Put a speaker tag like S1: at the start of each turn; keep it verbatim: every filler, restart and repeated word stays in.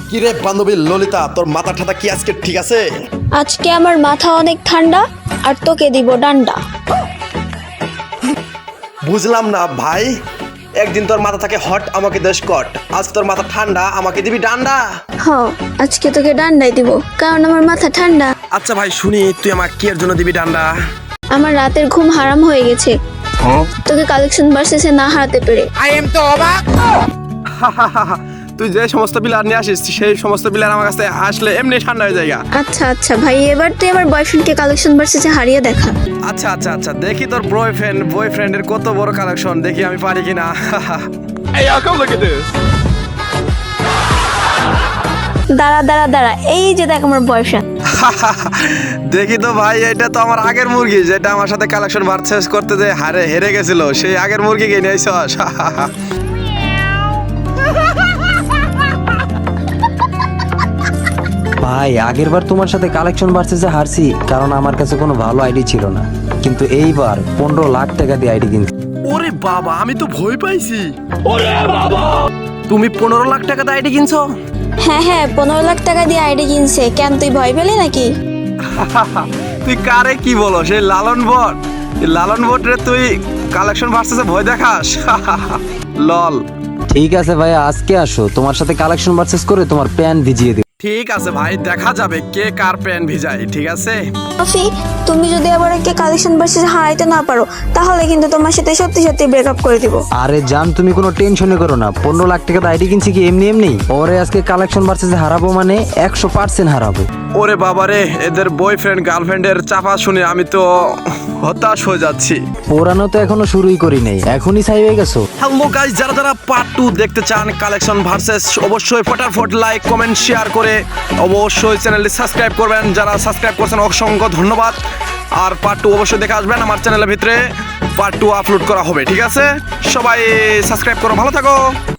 S1: কিরে বান্ধবী ললিতা, তোর মাথা ঠাতা কি আজকে ঠিক আছে?
S2: আজকে আমার মাথা অনেক ঠান্ডা আর তোকে দিব ডান্ডা।
S1: বুঝলাম না ভাই, একদিন তোর মাথা থাকে হট, আমাকে দেশ কট, আজ তোর মাথা ঠান্ডা, আমাকে দিবি ডান্ডা।
S2: হ, আজকে তোকে ডান্ডাই দিব, কারণ আমার মাথা ঠান্ডা।
S1: আচ্ছা ভাই শুনি, তুই আমাকে কি এর জন্য দিবি ডান্ডা?
S2: আমার রাতের ঘুম হারাম হয়ে গেছে তোকে কালেকশন ভার্সেসে না হারাতে পেরে।
S3: আই এম তো অবাক।
S1: তুই যে সমস্ত প্লেয়ার নিয়ে আসিস সেই সমস্ত প্লেয়ার আমার কাছে আসলে এমনি ঠান্ডা হয়ে যায়।
S2: আচ্ছা আচ্ছা ভাই, এবার তুই আমার বয়ফ্রেন্ডকে কালেকশন ভার্সেসে হারিয়ে দেখা।
S1: আচ্ছা আচ্ছা আচ্ছা দেখি তোর বয়ফ্রেন্ড বয়ফ্রেন্ডের কত বড় কালেকশন, দেখি আমি পারি কিনা।
S3: Hey, y'all come look at this.
S2: দাঁড়া দাঁড়া দাঁড়া, এই যে দেখ আমার বয়ফ্রেন্ড।
S1: দেখি তো ভাই, এটা তো আমার আগের মুরগি, যেটা আমার সাথে কালেকশন ভার্সেস করতে যে হারে হেরে গেছিল, সেই আগের মুরগিকে নিয়ে আইছস।
S4: ভাই আগের বার তোমার সাথে কালেকশন ভার্সেসে হারছি, কারণ আমার কাছে কোনো ভালো আইডি ছিল না, কিন্তু এইবার পনেরো লাখ টাকা দিয়ে আইডি কিনছি।
S1: ওরে বাবা, আমি তো ভয় পাইছি। ওরে বাবা, তুমি পনেরো লাখ টাকা দিয়ে আইডি কিনছো?
S2: হ্যাঁ হ্যাঁ, পনেরো লাখ টাকা দিয়ে আইডি কিনছে। কেন, তুই ভয় পেলি নাকি?
S1: তুই কারে কি বলো, সেই লালন বট, এই লালন বট রে তুই কালেকশন ভার্সেসে ভয় দেখাস? লল।
S4: ঠিক আছে ভাই, আজকে আসো, তোমার সাথে কালেকশন ভার্সেস করে তোমার প্যান ভিজিয়ে দিই।
S1: ঠিক আছে ভাই, দেখা যাবে কে কার প্যান ভিজায়, ঠিক আছে?
S2: রফি, তুমি যদি আবার একে কালেকশন ভার্সেসে হারাইতে না পারো, তাহলে কিন্তু তোমার সাথে সত্যি সত্যি ব্রেকআপ করে দিব।
S4: আরে জান, তুমি কোনো টেনশনে করো না, পনেরো লাখ টাকা আইডি কিনছি কি এমনি এমনি? ওরে আজকে কালেকশন ভার্সেসে হারাবো মানে একশো পার্সেন্ট হারাবো।
S1: ওরে বাবারে, এদের বয়ফ্রেন্ড গার্লফ্রেন্ডের চাপা শুনে আমি তো হতাশ হয়ে যাচ্ছি।
S4: পোড়ানো তো এখনো শুরুই করি নাই, এখনই ছাই হয়ে গেছো।
S1: হ্যালো গাইস, যারা যারা পার্ট টু দেখতে চান কালেকশন ভার্সেস, অবশ্যই ফটাফট লাইক কমেন্ট শেয়ার করে অবশ্যই চ্যানেলটি সাবস্ক্রাইব করবেন। যারা সাবস্ক্রাইব করছেন অসংখ্য ধন্যবাদ। আর পার্ট টু অবশ্যই দেখে আসবেন, আমার চ্যানেলের ভিতরে পার্ট টু আপলোড করা হবে, ঠিক আছে? সবাই সাবস্ক্রাইব করো, ভালো থাকো।